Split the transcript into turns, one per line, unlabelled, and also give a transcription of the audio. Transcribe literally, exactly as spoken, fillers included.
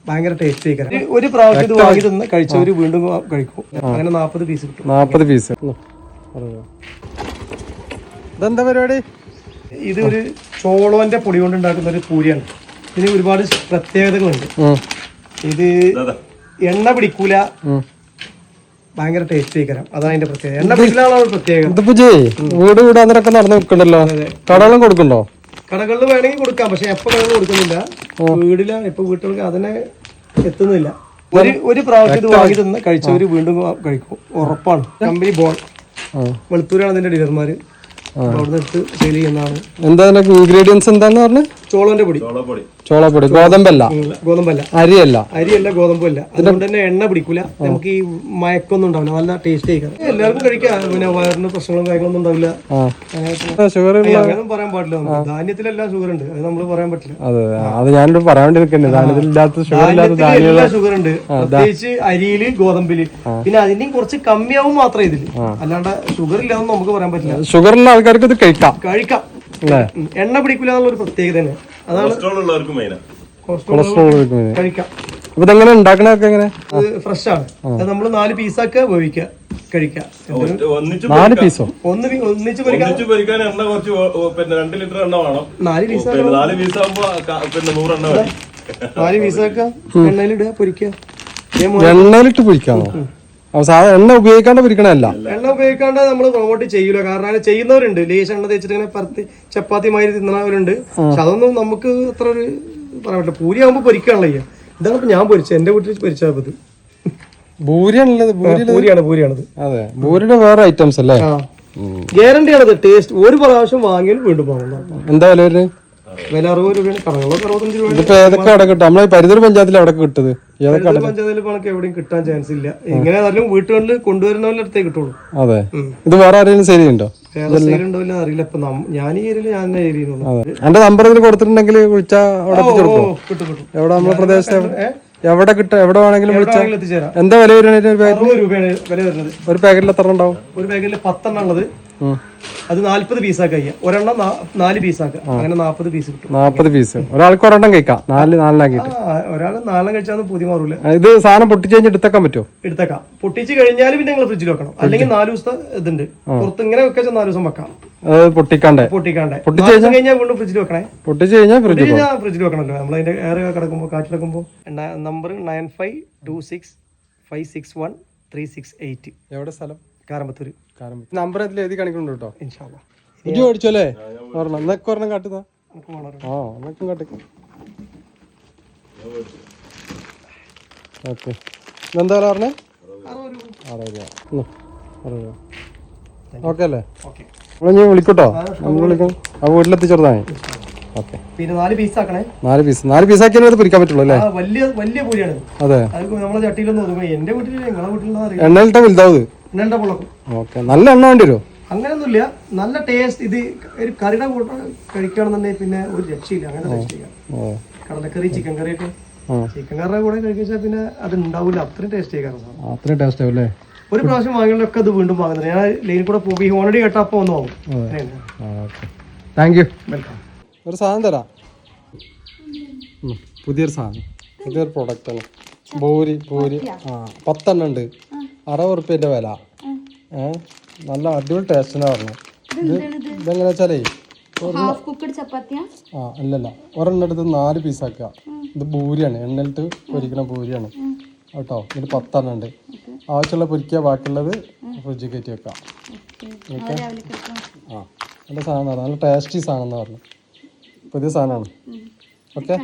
ഭയങ്കര ടേസ്റ്റ് ആയിരിക്കും. ഒരു പ്രാവശ്യം ഇത് വാങ്ങി തന്ന് കഴിച്ചവര് വീണ്ടും കഴിക്കും. അങ്ങനെ നാപ്പത് പീസ് കിട്ടും.
നാപ്പത് പീസ്. ഇതെന്താ പരിപാടി?
ഇത് ഒരു ചോളോന്റെ പൊടി കൊണ്ട് ഉണ്ടാക്കുന്ന ഒരു പൂരിയാണ്. ഇതിന് ഒരുപാട് പ്രത്യേകതകളുണ്ട്. ഇത് എണ്ണ പിടിക്കൂല, ഭയങ്കര ടേസ്റ്റ് ആയിരിക്കും. അതാണ് അതിന്റെ പ്രത്യേകത. എണ്ണ പിടിക്കലാണ് പ്രത്യേകത.
വീട് വീടാന്നൊക്കെ നടന്നു വെക്കണ്ടല്ലോ, കടകളും കൊടുക്കണ്ടോ?
കടകളിൽ വേണമെങ്കിൽ കൊടുക്കാം, പക്ഷെ എപ്പോ കടകളിൽ കൊടുക്കുന്നില്ല. വീടിലാണ് ഇപ്പൊ വീട്ടുകൾക്ക് അതിനെ എത്തുന്നില്ല. ഒരു ഒരു പ്രാവശ്യം ഇത് വാങ്ങി തന്ന് കഴിച്ചവര് വീണ്ടും കഴിക്കും, ഉറപ്പാണ്. കമ്പനി ബോൾ വെളുത്തൂരാണ് അതിന്റെ ഡീലർമാര്. അവിടുന്ന് എടുത്ത് സെയിൽ ചെയ്യുന്നതാണ്.
എന്താ ഇൻഗ്രീഡിയൻസ് എന്താന്ന് പറഞ്ഞു?
ചോളന്റെ പൊടി.
ചോളപ്പൊടി. ഗോതമ്പല്ല,
ഗോതമ്പല്ല,
അരിയല്ല,
അരിയല്ല ഗോതമ്പല്ല. അതുകൊണ്ട് തന്നെ എണ്ണ പിടിക്കൂല, നമുക്ക് ഈ മയക്കൊന്നും ഉണ്ടാവില്ല, നല്ല ടേസ്റ്റ് ആയിരിക്കും. എല്ലാവർക്കും കഴിക്കാം. പിന്നെ വയറിന് പ്രശ്നങ്ങളും കാര്യങ്ങളൊന്നും ഉണ്ടാവില്ല.
ഷുഗർ
അങ്ങനെയൊന്നും പറയാൻ പാടില്ല. ധാന്യത്തിലെല്ലാം ഷുഗർ ഉണ്ട്, അത് നമ്മൾ പറയാൻ പറ്റില്ല.
അതെ, അത് ഞാനിവിടെ പറയാൻ വേണ്ടിയിരിക്കുന്നത്. ധാന്യത്തിലില്ലാത്ത ഷുഗർ ഇല്ലാത്ത
എല്ലാ ഷുഗർ ഉണ്ട്, പ്രത്യേകിച്ച് അരിയില് ഗോതമ്പില്. പിന്നെ അതിന്റെയും കുറച്ച് കമ്മിയാവും മാത്രമേ ഇതില്, അല്ലാണ്ട് ഷുഗർ ഇല്ലാന്ന് നമുക്ക് പറയാൻ പറ്റില്ല.
ഷുഗറുള്ള ആൾക്കാർക്ക് ഇത് കഴിക്കാം കഴിക്കാം
എണ്ണ പിടിക്കില്ല എന്നുള്ളൊരു പ്രത്യേകത തന്നെ. അതാണ് കഴിക്കാം.
അപ്പൊ ഇതെങ്ങനെ ഉണ്ടാക്കണൊക്കെ എങ്ങനെ?
ഫ്രഷ് ആണ്. അത് നമ്മള് നാല് പീസാക്കുക, വേവിക്കുക, കഴിക്കാം.
നാല് പീസോ?
ഒന്ന് ഒന്നിച്ച് പൊരിക്കാൻ എണ്ണ കുറച്ച്, പിന്നെ രണ്ട് ലിറ്റർ എണ്ണ വേണം. നാല് പീസ് നാല് പീസ് ആകുമ്പോ പിന്നെ നൂറെണ്ണ മതി. നാല് പീസാക്കുക, എണ്ണയിലിടുക, പൊരിക്കുക.
എണ്ണയിലിട്ട് പൊരിക്കാമോ? സാധാരണ എണ്ണ ഉപയോഗിക്കാണ്ട് പൊരിക്കണല്ല.
എണ്ണ ഉപയോഗിക്കാണ്ട് നമ്മൾ പ്രൊമോട്ട് ചെയ്യൂല. കാരണം ചെയ്യുന്നവരുണ്ട്, ലേശ എണ്ണ തേച്ചിട്ട് ഇങ്ങനെ പരത്തി ചപ്പാത്തി മാതിരി തിന്നണവരുണ്ട്. പക്ഷെ അതൊന്നും നമുക്ക് അത്ര ഒരു പറയാൻ പറ്റില്ല. പൂരി ആകുമ്പോ പൊരിക്കാണല്ലോ ചെയ്യാം. ഇതാണ് ഇപ്പൊ ഞാൻ പൊരിച്ചത്, എന്റെ വീട്ടിൽ പൊരിച്ചത്. ഇത്
പൂരിയാണുള്ളത്.
പൂരിയാണ് പൂരിയാണത്.
അതെ, പൂരിയുടെ വേറെ ഐറ്റംസ് അല്ലേ?
ഗ്യാരണ്ടിയാണത്. ടേസ്റ്റ് ഒരു പ്രാവശ്യം വാങ്ങിയാൽ വീണ്ടും വാങ്ങുന്നു.
എന്താ വില വരുന്നത്?
വില അറുപത് രൂപയാണ്, കടകളൊക്കെ അറുപത്തഞ്ച് രൂപ.
ഇതിപ്പോ ഏതൊക്കെ അവിടെ കിട്ടും? നമ്മളെ പരിധൂർ പഞ്ചായത്തിൽ അവിടെ കിട്ടത്?
പഞ്ചായത്തിൽ പണക്ക് എവിടെയും കിട്ടാൻ ചാൻസ് ഇല്ല. എങ്ങനെ ആയാലും വീട്ടുകളിൽ കൊണ്ടുവരുന്നവരുടെ അടുത്തേ കിട്ടുള്ളൂ.
അതെ, ഇത് വേറെ ആരെങ്കിലും സെയിൽ ഉണ്ടോ?
ഉണ്ടോ ഇല്ല അറിയില്ല. ഇപ്പൊ ഞാൻ ഈ ഏരിയയിൽ ഞാൻ ഏരിയയിലുള്ളൂ.
എന്റെ നമ്പർ ഇതിൽ കൊടുത്തിട്ടുണ്ടെങ്കിൽ വിളിച്ചാൽ അവിടെ കിട്ടും. എവിടെ നമ്മുടെ പ്രദേശത്ത് എവിടെ കിട്ടും? എവിടെ വേണമെങ്കിലും വിളിച്ചാൽ
എത്തിച്ചേരാം.
എന്താ വില വരുന്നത്?
അറുപത് രൂപയാണ് വില വരുന്നത്.
ഒരു പാക്കറ്റിൽ എത്ര ഉണ്ടാവും?
ഒരു പാക്കറ്റിൽ പത്തെണ്ണം ഉള്ളത്. അത് നാല്പത് പീസാക്കുക ചെയ്യാം. ഒരെണ്ണം നാല് പീസാക്കുക, അങ്ങനെ നാപ്പത് പീസ് കിട്ടും.
നാപ്പത് പീസ് ഒരാൾക്ക് ഒരെണ്ണം കഴിക്കാം. നാല് നാലിനാക്കിട്ട്
ഒരാൾ നാലെണ്ണം കഴിച്ചാൽ പുതിയ മാറൂല.
ഇത് സാധനം പൊട്ടിച്ച് കഴിഞ്ഞ് എടുത്തേക്കാൻ പറ്റുമോ?
എടുത്തേക്കാം. പൊട്ടിച്ച് കഴിഞ്ഞാൽ പിന്നെ നിങ്ങൾ ഫ്രിഡ്ജിൽ വെക്കണം. അല്ലെങ്കിൽ നാല് ദിവസത്തെ ഇതുണ്ട്, പുറത്ത് ഇങ്ങനെ വെച്ചാൽ നാല് ദിവസം വെക്കാം.
പൊട്ടിക്കാണ്ടേ
പൊട്ടിക്കാണ്ടേ പൊട്ടിച്ച് കഴിഞ്ഞാൽ വീണ്ടും ഫ്രിഡ്ജിൽ വെക്കണേ.
പൊട്ടിച്ച് കഴിഞ്ഞാൽ
ഫ്രിഡ്ജിൽ വെക്കണല്ലോ. നമ്മൾ അതിന്റെ എയർ കിടക്കുമ്പോൾ കാറ്റിലെടുക്കുമ്പോൾ. Number nine five two six five six one three six eight.
എവിടെ സ്ഥലം?
കാരമ്പത്തൂര്.
നമ്പർ അതിൽ എഴുതി കാണിക്കുന്നുണ്ട് കേട്ടോ. ഇജ്ജ് മേടിച്ചോല്ലേ? ഒരെണ്ണം എന്നൊക്കെ ഒരെണ്ണം കാട്ടുന്ന. ആ എന്നൊക്കെ കാട്ടിക്കും. ഓക്കെ, എന്താ പറഞ്ഞേ? അറുപത് രൂപ. അറുപത് രൂപ. ഓക്കെ അല്ലേ? ഞാൻ വിളിക്കട്ടോ, നമ്മൾ വിളിക്കാം. ആ വീട്ടിലെത്തിച്ചെടുത്താൽ മതി. ഓക്കെ.
പിന്നെ നാല് പീസ് ആക്കണേ.
നാല് പീസ് നാല് പീസ് ആക്കിയാൽ പൊരിക്കാൻ പറ്റുള്ളൂ അല്ലേ?
വലിയ വലിയ പൂരിയാണ്.
അതെ,
നമ്മളെ ചട്ടിയിലൊന്നും ഒതുങ്ങും. എന്റെ വീട്ടിൽ നിങ്ങളെ വീട്ടിൽ
എണ്ണയിലിട്ട വലുതാവ്.
എണ്ണ പൊളക്കും.
ഓക്കെ, നല്ല എണ്ണ വേണ്ടി വരുമോ?
അങ്ങനെയൊന്നുമില്ല, നല്ല ടേസ്റ്റ്. ഇത് ഒരു കറിയുടെ കൂട്ടം കഴിക്കുകയാണെന്നുണ്ടെങ്കിൽ പിന്നെ ഒരു രക്ഷയില്ല. അങ്ങനെ ടേസ്റ്റ് ചെയ്യാം. കടലക്കറി, ചിക്കൻ കറിയൊക്കെ ചിക്കൻ കറിയുടെ കൂടെ കഴിച്ചാൽ പിന്നെ അത് ഉണ്ടാവില്ല. അത്രയും ടേസ്റ്റ് ചെയ്യാൻ
അത്രയും ടേസ്റ്റ് ആവും അല്ലേ?
ഒരു പ്രാവശ്യം വാങ്ങിയൊക്കെ അത് വീണ്ടും വാങ്ങുന്നത്. ഞാൻ ലൈനിൽ കൂടെ പോകും, ഓൾറെഡി കേട്ടോ, അപ്പോൾ ഒന്ന് വാങ്ങും.
Thank you.
വെൽക്കം.
ഒരു സാധനം തരാം, പുതിയൊരു സാധനം, പുതിയൊരു പ്രൊഡക്റ്റാണ്. പൂരി പൂരി ആ പത്തെണ്ണം ഉണ്ട്. അറുപത് ഉറുപ്പ്യൻ്റെ വില. ഏഹ് നല്ല അടിപൊളി ടേസ്റ്റിനാ പറഞ്ഞത്. ഇത് ഇതെങ്ങനെ വെച്ചാലേ ആ അല്ലല്ല ഒരെണ്ണം എടുത്ത് നാല് പീസാക്കുക. ഇത് പൂരിയാണ്, എണ്ണയിലിട്ട് പൊരിക്കണ പൂരിയാണ് കേട്ടോ. ഇത് പത്തെണ്ണം ഉണ്ട്. ആവശ്യമുള്ള പൊരിക്കുക, ബാക്കിയുള്ളത് ഫ്രിഡ്ജിൽ കയറ്റി വെക്കാം. ഓക്കെ. ആ നല്ല സാധനമാണ്, നല്ല ടേസ്റ്റി സാധനം എന്ന് പറഞ്ഞു. പുതിയ സാധനമാണ്. ഓക്കെ.